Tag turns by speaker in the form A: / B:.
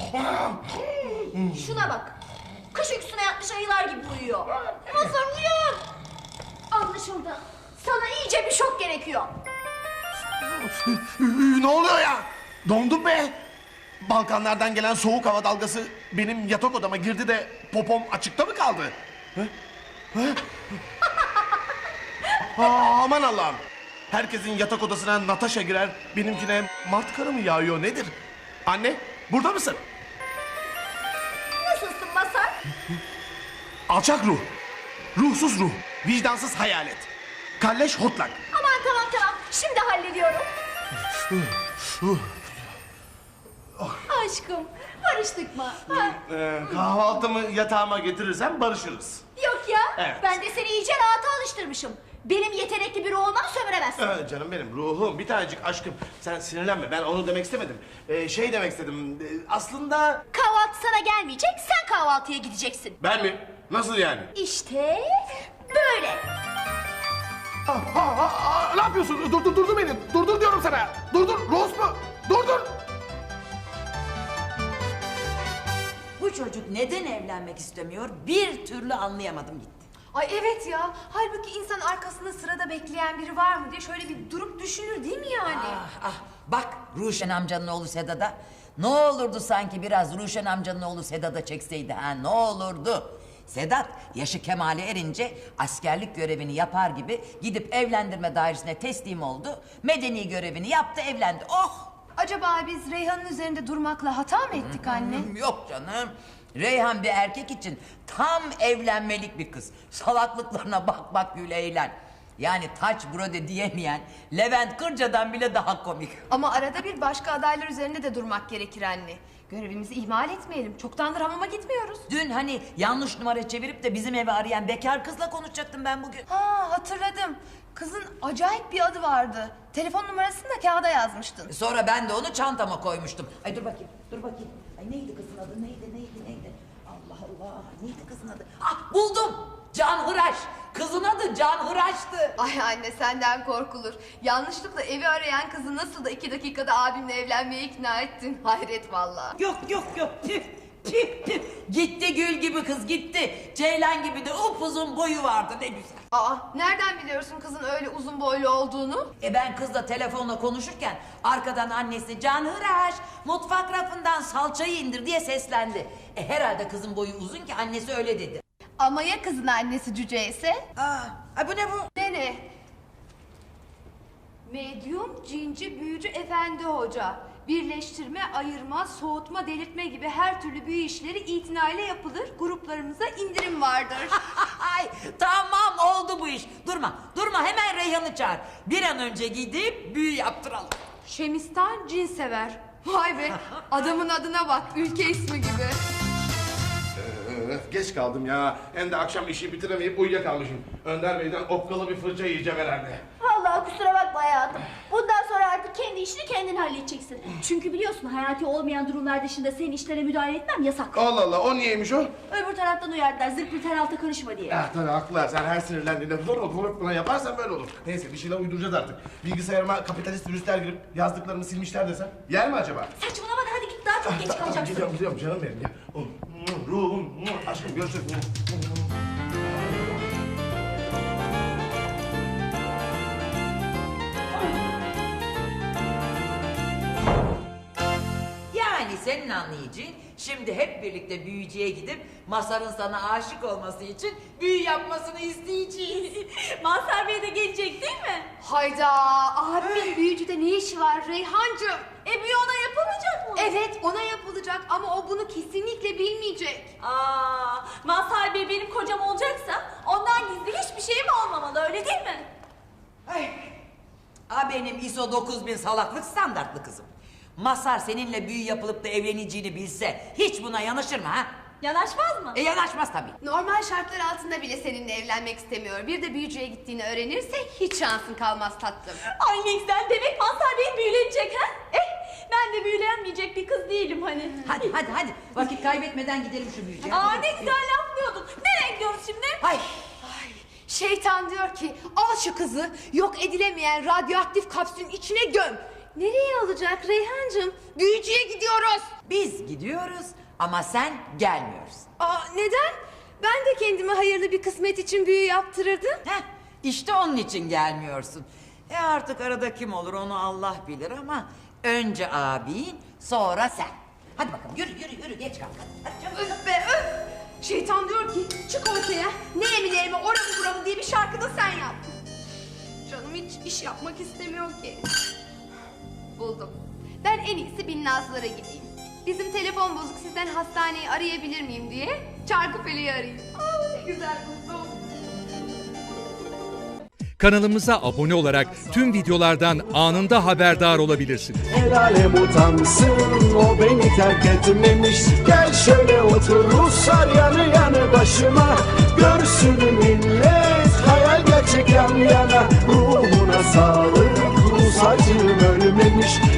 A: Şuna bak. Kış uykusuna yatmış ayılar gibi uyuyor. Mazhar uyan. Anlaşıldı. Sana iyice bir şok gerekiyor.
B: Ne oluyor ya? Dondum be. Balkanlardan gelen soğuk hava dalgası benim yatak odama girdi de popom açıkta mı kaldı? Aman Allah'ım. Herkesin yatak odasına Natasha girer, benimkine Mart karı mı yağıyor nedir? Anne, burada mısın?
A: Nasılsın Mazhar?
B: Alçak ruh, ruhsuz ruh, vicdansız hayalet. Kalleş hortlak.
A: Aman tamam. Şimdi hallediyorum. Aşkım, barıştık mı? Ha?
B: Kahvaltımı yatağıma getirirsen barışırız.
A: Yok ya.
B: Evet.
A: Ben de seni iyice rahata alıştırmışım. Benim yetenekli biri olmam sömüremezsin.
B: Canım benim, ruhum, bir tanecik aşkım. Sen sinirlenme, ben onu demek istemedim. Şey demek istedim, aslında...
A: Kahvaltı sana gelmeyecek, sen kahvaltıya gideceksin.
B: Ben mi? Nasıl yani?
A: İşte böyle.
B: Ne yapıyorsun? Durdur beni. Durdur diyorum sana. Durdur. Rose mu? Durdur.
C: Bu çocuk neden evlenmek istemiyor bir türlü anlayamadım gitti.
D: Ay evet ya. Halbuki insan arkasında sırada bekleyen biri var mı diye şöyle bir durup düşünür değil mi yani?
C: Bak Ruşen amcanın oğlu Sedat'a. Ne olurdu sanki biraz Ruşen amcanın oğlu Sedat'a çekseydi ha, ne olurdu? Sedat yaşı kemale erince askerlik görevini yapar gibi gidip evlendirme dairesine teslim oldu. Medeni görevini yaptı, evlendi. Oh!
D: Acaba biz Reyhan'ın üzerinde durmakla hata mı ettik anne?
C: Yok canım. Reyhan bir erkek için tam evlenmelik bir kız. Salaklıklarına bak gül eğlen. Yani taç brode diyemeyen Levent Kırca'dan bile daha komik.
D: Ama arada bir başka adaylar üzerinde de durmak gerekir anne. Görevimizi ihmal etmeyelim. Çoktandır hamama gitmiyoruz.
C: Dün hani yanlış numara çevirip de bizim evi arayan bekar kızla konuşacaktım ben bugün.
D: Ha hatırladım. Kızın acayip bir adı vardı. Telefon numarasını da kağıda yazmıştın.
C: Sonra ben de onu çantama koymuştum. Ay dur bakayım. Ay neydi kızın adı? Neydi? Allah Allah. Neydi kızın adı? Ah buldum. Can Hıraş. Kızın adı Can Hıraş'tı.
D: Ay anne senden korkulur. Yanlışlıkla evi arayan kızı nasıl da 2 dakikada abimle evlenmeye ikna ettin. Hayret vallahi.
C: Yok. Tüh. Gitti gül gibi kız gitti. Ceylan gibi de upuzun boyu vardı ne güzel.
D: Aa nereden biliyorsun kızın öyle uzun boylu olduğunu?
C: Ben kızla telefonla konuşurken arkadan annesi Can Hıraş mutfak rafından salçayı indir diye seslendi. Herhalde kızın boyu uzun ki annesi öyle dedi.
D: Ama ya kızın annesi cüce ise?
C: Ay bu ne bu?
D: Ne? Medyum, cinci, büyücü, efendi hoca. Birleştirme, ayırma, soğutma, delirtme gibi her türlü büyü işleri itinayla yapılır. Gruplarımıza indirim vardır.
C: Ay tamam oldu bu iş. Durma hemen Reyhan'ı çağır. Bir an önce gidip büyü yaptıralım.
D: Şemistan cin sever. Vay be adamın adına bak ülke ismi gibi.
B: Geç kaldım ya. Hem de akşam işi bitiremeyip uyuyakalmışım. Önder Bey'den okkalı bir fırça yiyeceğim herhalde.
A: Vallahi kusura bakma hayatım. Bundan sonra artık kendi işini kendin halledeceksin. Çünkü biliyorsun hayati olmayan durumlar dışında senin işlere müdahale etmem yasak.
B: Allah Allah, o niyeymiş o?
A: Öbür taraftan uyardılar zırt bir tarafta karışma diye.
B: Tabii haklılar. Sen her sinirlendiğinde falan yaparsan böyle olur. Neyse bir şeyler uyduracağız artık. Bilgisayarıma kapitalist virüsler girip yazdıklarımı silmişler desem. Yer mi acaba?
A: Saçmalama da hadi git daha çok geç kalacaksın.
B: Gidiyorum canım benim ya. Ruhum, aşkım görüşürüz.
C: Yani senin anlayacağın şimdi hep birlikte büyücüye gidip Mazhar'ın sana aşık olması için büyü yapmasını isteyeceğiz.
A: Mazhar Bey de gelecek değil mi?
D: Hayda abimin büyücüde ne işi var Reyhancığım?
A: Büyü ona yapılmayacak mı?
D: Evet ona yapılacak ama o bunu kesinlikle bilmeyecek.
A: Mazhar Bey benim kocam olacaksa ondan gizli hiçbir şeyim olmamalı öyle değil mi?
C: Benim ISO 9000 salaklık standartlı kızım. Mazhar seninle büyü yapılıp da evleneceğini bilse hiç buna yanaşır mı ha?
A: Yanaşmaz mı?
C: Yanaşmaz tabii.
D: Normal şartlar altında bile seninle evlenmek istemiyor. Bir de büyücüye gittiğini öğrenirse hiç şansın kalmaz tatlım.
A: Ay ne güzel demek Mazhar Bey büyülenecek ha? Ben de büyülenmeyecek bir kız değilim hani.
C: Hadi vakit kaybetmeden gidelim şu büyücüye.
A: Ne güzel laflıyordun. Nereye gidiyoruz şimdi?
C: Hay.
D: Şeytan diyor ki al şu kızı yok edilemeyen radyoaktif kapsülün içine göm. Nereye olacak Reyhancığım? Büyücüye gidiyoruz.
C: Biz gidiyoruz ama sen gelmiyorsun.
D: Aa, neden? Ben de kendime hayırlı bir kısmet için büyü yaptırırdım.
C: Heh, işte onun için gelmiyorsun. Artık arada kim olur onu Allah bilir ama önce abin sonra sen. Hadi bakalım yürü geç kalk. Hadi çabuk.
D: Öf be öf! Şeytan diyor ki çık ortaya, ne emilerime oramı buramı diye bir şarkı da sen yap. Canım hiç iş yapmak istemiyor ki. Buldum. Ben en iyisi Binnazlara gideyim. Bizim telefon bozuk, sizden hastaneyi arayabilir miyim diye Çarkıfele'yi arayayım. Aa, ne güzel buldum.
E: Kanalımıza abone olarak tüm videolardan anında haberdar olabilirsiniz.
F: El alem utansın, o beni terk etmemiş. Gel şöyle otur Ruslar yanı yanı başıma. Görsün millet hayal gerçek yan yana. Ruhuna sağlık, Rus acım ölmemiş.